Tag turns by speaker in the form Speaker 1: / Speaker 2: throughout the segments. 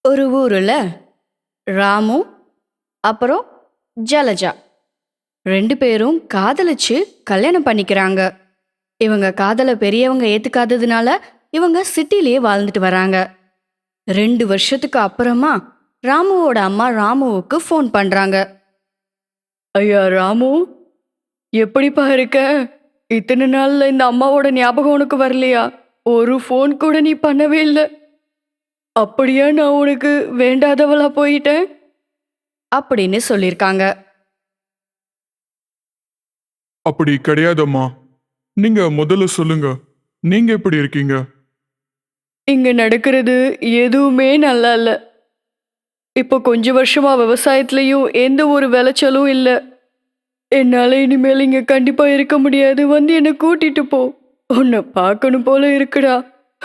Speaker 1: ஒரு ஊர்ல ராமு அப்புறம் ஜலஜா 2 பேரும் காதலிச்சு கல்யாணம் பண்ணிக்கிறாங்க. இவங்க காதலை பெரியவங்க ஏத்துக்காததுனால இவங்க சிட்டிலேயே வாழ்ந்துட்டு வராங்க. 2 வருஷத்துக்கு அப்புறமா ராமுவோட அம்மா ராமுவுக்கு ஃபோன் பண்றாங்க. ஐயா ராமு, எப்படிப்பா இருக்க? இத்தனை நாள்ல இந்த அம்மாவோட ஞாபகம் உனக்கு வரலையா? ஒரு ஃபோன் கூட நீ பண்ணவே இல்லை. அப்படியா நான் உனக்கு வேண்டாதவளா போயிட்டேன் அப்படின்னு சொல்லியிருக்காங்க.
Speaker 2: அப்படி கிடையாதம்மா. நீங்க முதல்ல சொல்லுங்க, நீங்க எப்படி இருக்கீங்க?
Speaker 1: இங்க நடக்கிறது எதுவுமே நல்லா இல்ல. இப்போ கொஞ்ச வருஷமா விவசாயத்துலயும் எந்த ஒரு விளைச்சலும் இல்ல. என்னால இனிமேல் இங்க கண்டிப்பா இருக்க முடியாது. வந்து என்னை கூட்டிட்டு போ. உன்னை பார்க்கணும் போல இருக்குடா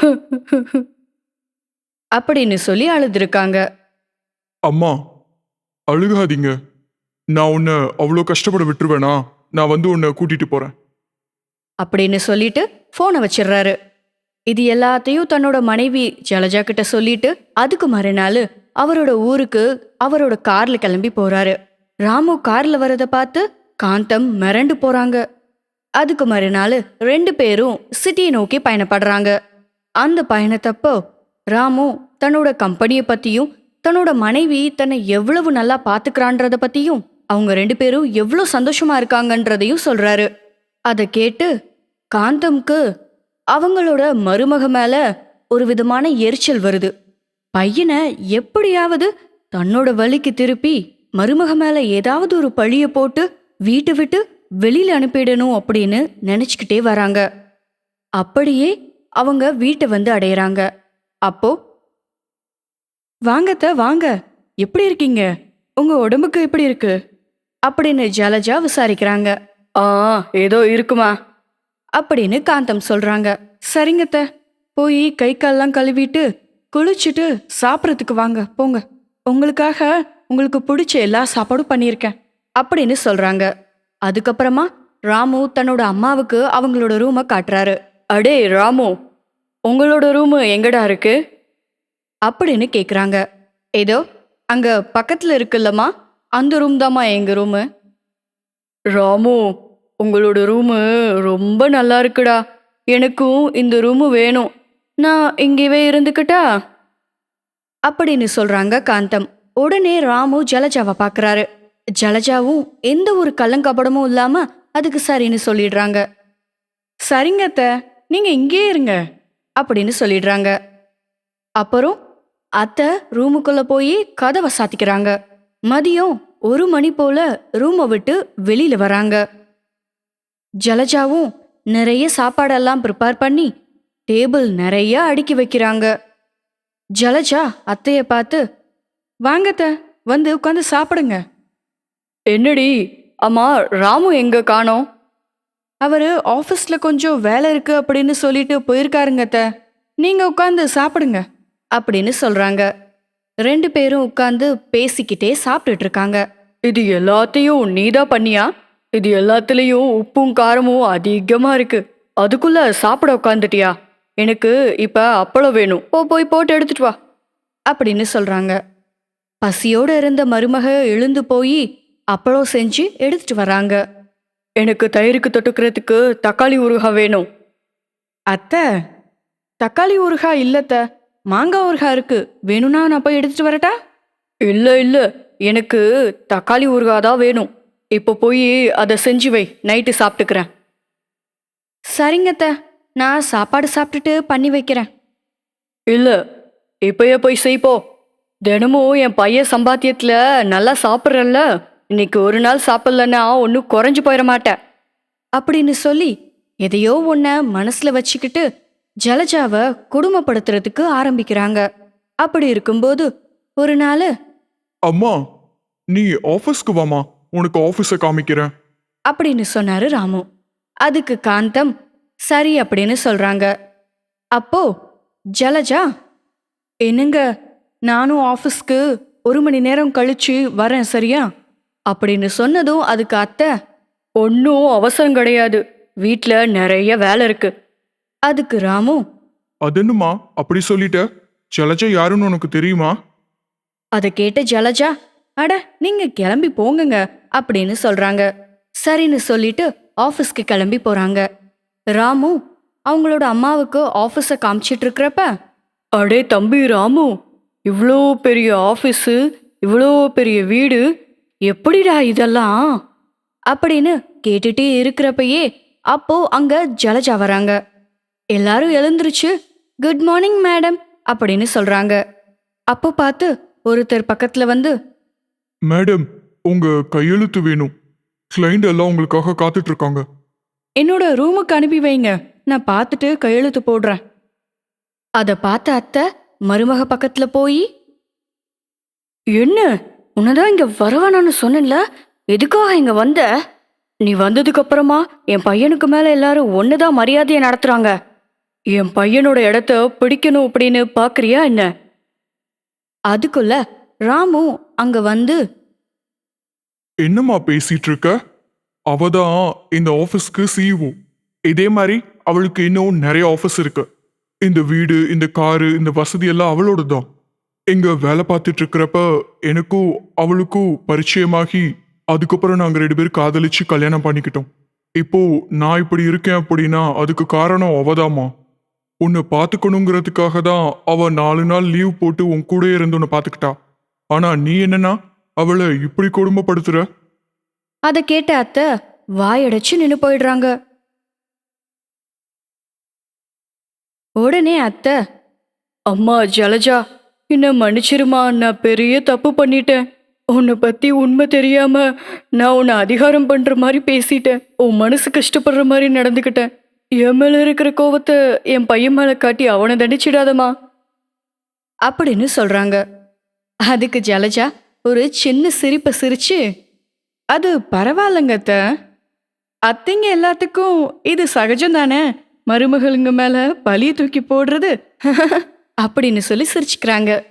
Speaker 1: அப்படின்னு சொல்லி அழுதுருக்காங்க.
Speaker 2: அம்மா, அழுகாதீங்க. நான் உன்னை அவ்வளோ கஷ்டப்பட விட்டுருவேனா? நான் வந்து உன்னை கூட்டிட்டு போறேன்
Speaker 1: அப்படின்னு சொல்லிட்டு போனை வச்சிடுறாரு. இது எல்லாத்தையும் தன்னோட மனைவி ஜலஜா கிட்ட சொல்லிட்டு அதுக்கு மறுநாள் அவரோட ஊருக்கு அவரோட கார்ல கிளம்பி போறாரு. ராமு கார்ல வரத பார்த்து காந்தம் மிரண்டு போறாங்க. அதுக்கு மறுநாள் 2 பேரும் சிட்டியை நோக்கி பயணப்படுறாங்க. அந்த பயணத்தப்போ ராமு தன்னோட கம்பெனியை பத்தியும் தன்னோட மனைவி தன்னை எவ்வளவு நல்லா பாத்துக்கிறான்றத பத்தியும் அவங்க 2 பேரும் எவ்வளவு சந்தோஷமா இருக்காங்கன்றதையும் சொல்றாரு. அதை கேட்டு காந்தம்க்கு அவங்களோட மருமக மேல ஒரு விதமான எரிச்சல் வருது. பையனை எப்படியாவது தன்னோட வழிக்கு திருப்பி மருமக மேல ஏதாவது ஒரு பழிய போட்டு வீட்டை விட்டு வெளியில அனுப்பிடணும் அப்படின்னு நினைச்சுக்கிட்டே வராங்க. அப்படியே அவங்க வீட்டை வந்து அடையறாங்க. அப்போ வாங்கத்த வாங்க, எப்படி இருக்கீங்க? உங்க உடம்புக்கு எப்படி இருக்கு அப்படின்னு ஜலஜா விசாரிக்கிறாங்க. ஏதோ இருக்குமா அப்படின்னு காந்தம் சொல்றாங்க. சரிங்கத்த, போய் கை கால்லாம் கழுவிட்டு குளிச்சுட்டு சாப்பிட்றதுக்கு வாங்க போங்க. உங்களுக்காக உங்களுக்கு பிடிச்ச எல்லா சாப்பாடும் பண்ணியிருக்கேன் அப்படின்னு சொல்றாங்க. அதுக்கப்புறமா ராமு தன்னோட அம்மாவுக்கு அவங்களோட ரூமை காட்டுறாரு. அடே ராமு, உங்களோட ரூமு எங்கடா இருக்கு அப்படின்னு கேக்குறாங்க. ஏதோ அங்க பக்கத்துல இருக்குல்லம்மா, அந்த ரூம் தாம்மா எங்க ரூமு. ராமு, உங்களோட ரூமு ரொம்ப நல்லா இருக்குடா. எனக்கும் இந்த ரூமு வேணும். நான் இங்கேவே இருந்துக்கிட்டா அப்படின்னு சொல்றாங்க காந்தம். உடனே ராமு ஜலஜாவை பார்க்கறாரு. ஜலஜாவும் எந்த ஒரு கள்ளங்கபடமும் இல்லாம அதுக்கு சரின்னு சொல்லிடுறாங்க. சரிங்க அத்தை, நீங்க இங்கே இருங்க அப்படின்னு சொல்லிடுறாங்க. அப்புறம் அத்தை ரூமுக்குள்ள போய் கதவை சாத்திக்கிறாங்க. மதியம் 1 மணி போல ரூமை விட்டு வெளியில வராங்க. ஜலஜாவும் நிறைய சாப்பாடெல்லாம் ப்ரிப்பேர் பண்ணி டேபிள் நிறைய அடுக்கி வைக்கிறாங்க. ஜலஜா அத்தைய பார்த்து, வாங்கத்த, வந்து உட்காந்து சாப்பிடுங்க. என்னடி அம்மா, ராமு எங்க காணோம்? அவரு ஆஃபீஸ்ல கொஞ்சம் வேலை இருக்கு அப்படின்னு சொல்லிட்டு போயிருக்காருங்க அத்தை. நீங்க உட்காந்து சாப்பிடுங்க அப்படின்னு சொல்றாங்க. 2 பேரும் உட்காந்து பேசிக்கிட்டே சாப்பிட்டுட்டு இருக்காங்க. இது எல்லாத்தையும் நீதான் பண்ணியா? இது எல்லாத்துலயும் உப்பும் காரமும் அதிகமா இருக்கு. அதுக்குள்ள சாப்பிட உட்காந்துட்டியா? எனக்கு இப்ப அப்பளம் வேணும். போய் போட்டு எடுத்துட்டு வா அப்படின்னு சொல்றாங்க. பசியோட இருந்த மருமக எழுந்து போய் அப்பளம் செஞ்சு எடுத்துட்டு வராங்க. எனக்கு தயிருக்கு தொட்டுக்கிறதுக்கு தக்காளி ஊறுகாய் வேணும். அத்தை, தக்காளி ஊறுகாய் இல்லத்த, மாங்காய் ஊறுகாய் இருக்கு. வேணும்னா நான் போய் எடுத்துட்டு வரட்டா? இல்ல, எனக்கு தக்காளி ஊறுகாய் தான் வேணும். இப்போ போய் அதை செஞ்சு வை, நைட்டு சாப்பிட்டுக்கிறேன். சரிங்கத்த, நான் சாப்பாடு சாப்பிட்டுட்டு பண்ணி வைக்கிறேன். இல்ல, இப்பயே போய் செய்ப்போ. தினமும் என் பையன் சம்பாத்தியத்துல நல்லா சாப்பிட்றல்ல, இன்னைக்கு ஒரு நாள் சாப்பிட்லன்னா ஒன்றும் குறைஞ்சு போயிட மாட்டேன் அப்படின்னு சொல்லி எதையோ ஒன்ன மனசுல வச்சுக்கிட்டு ஜலஜாவை குடும்பப்படுத்துறதுக்கு ஆரம்பிக்கிறாங்க. அப்படி இருக்கும்போது ஒரு நாள்,
Speaker 2: அம்மா, நீ ஆஃபீஸ்க்கு வாமா, உனக்கு ஆஃபீஸை காமிக்கிறேன்
Speaker 1: அப்படின்னு சொன்னாரு ராமு. அதுக்கு காந்தம் சரி அப்படின்னு சொல்றாங்க. அப்போ ஜலஜா, என்னங்க, நானும் ஆஃபீஸ்க்கு 1 மணி நேரம் கழிச்சு வரேன், சரியா அப்படின்னு சொன்னதும் அதுக்கு அத்தை, ஒன்றும் அவசரம் கிடையாது, வீட்டில் நிறைய வேலை இருக்கு. அதுக்கு ராமு,
Speaker 2: அது என்னம்மா அப்படி சொல்லிட்ட? ஜலஜா யாருன்னு உனக்கு தெரியுமா?
Speaker 1: அதை கேட்ட ஜலஜா, அட நீங்க கிளம்பி போங்கங்க அப்படின்னு சொல்றாங்க. சரின்னு சொல்லிட்டு ஆபீஸ்க்கு கிளம்பி போறாங்க. ராமு அவங்களோட அம்மாவுக்கு ஆபீஸ காமிச்சிட்டு இருக்கிறப்ப, அடே தம்பி ராமு, இவ்வளோ பெரிய ஆபீஸு, இவ்வளோ பெரிய வீடு, எப்படிடா இதெல்லாம் அப்படின்னு கேட்டுட்டே இருக்கிறப்பயே அப்போ அங்க ஜலஜா வராங்க. எல்லாரும் எழுந்திருச்சு குட் மார்னிங் மேடம் அப்படின்னு சொல்றாங்க. அப்போ பார்த்து ஒருத்தர் பக்கத்துல வந்து,
Speaker 2: மேடம், உங்க கையெழுத்து வேணும். கிளைண்ட் எல்லாம் உங்களுக்காக காத்துட்டு இருக்காங்க.
Speaker 1: என்னோட ரூமுக்கு அனுப்பி வைங்க, நான் பார்த்துட்டு கையெழுத்து போடுறேன். அதை பார்த்த அத்தை மருமக பக்கத்துல போய், என்ன உன்னதான் இங்க வரவேணான்னு சொன்னேன்ல, எதுக்காக இங்க வந்த? நீ வந்ததுக்கு அப்புறமா என் பையனுக்கு மேல எல்லாரும் ஒண்ணுதான் மரியாதையை நடத்துறாங்க. என் பையனோட இடத்த பிடிக்கணும் அப்படின்னு பாக்குறியா என்ன? அதுக்குள்ள ராமு அங்க வந்து,
Speaker 2: என்னம்மா பேசிட்டு இருக்க? அவதான் இந்த ஆபீஸ்க்கு சிஇஓ. இதே மாதிரி அவளுக்கு இன்னும் நிறைய ஆபீஸ் இருக்கு. இந்த வீடு, இந்த காரு, இந்த வசதி எல்லாம் அவளோட தான். இங்க வேலை பார்த்துட்டு இருக்கிறப்ப எனக்கும் அவளுக்கும் பரிச்சயமாகி அதுக்கப்புறம் நாங்க 2 பேரும் காதலிச்சு கல்யாணம் பண்ணிக்கிட்டோம். இப்போ நான் இப்படி இருக்கேன் அப்படின்னா அதுக்கு காரணம் அவதாம்மா. உன்னை பார்த்துக்கணுங்கிறதுக்காக தான் அவ 4 நாள் லீவ் போட்டு உன் கூட இருந்து உன்னை பார்த்துக்கிட்டா. ஆனா நீ என்னன்னா அவளை இப்படி கொடுமைப்படுத்துற?
Speaker 1: அதை கேட்ட அத்தை வாயடைச்சு நின்னு போயிடுறாங்க. உடனே அத்தை, அம்மா ஜலஜா, என்ன மன்னிச்சிருமா, நான் பெரிய தப்பு பண்ணிட்டேன். உன்னை பத்தி உண்மை தெரியாம நான் உன்னை அதிகாரம் பண்ற மாதிரி பேசிட்டேன். உன் மனசு கஷ்டப்படுற மாதிரி நடந்துக்கிட்டேன். என் மேல இருக்கிற கோவத்தை என் பையன் மேல காட்டி அவனை தண்டிச்சிடாதம்மா அப்படின்னு சொல்றாங்க. அதுக்கு ஜலஜா ஒரு சின்ன சிரிப்பை சிரிச்சு, அது பரவாயில்லங்க அத்தை, அத்தைங்க எல்லாத்துக்கும் இது சகஜம் தானே, மருமகளுங்க மேல பழிய தூக்கி போடுறது அப்படின்னு சொல்லி சிரிச்சுக்கிறாங்க.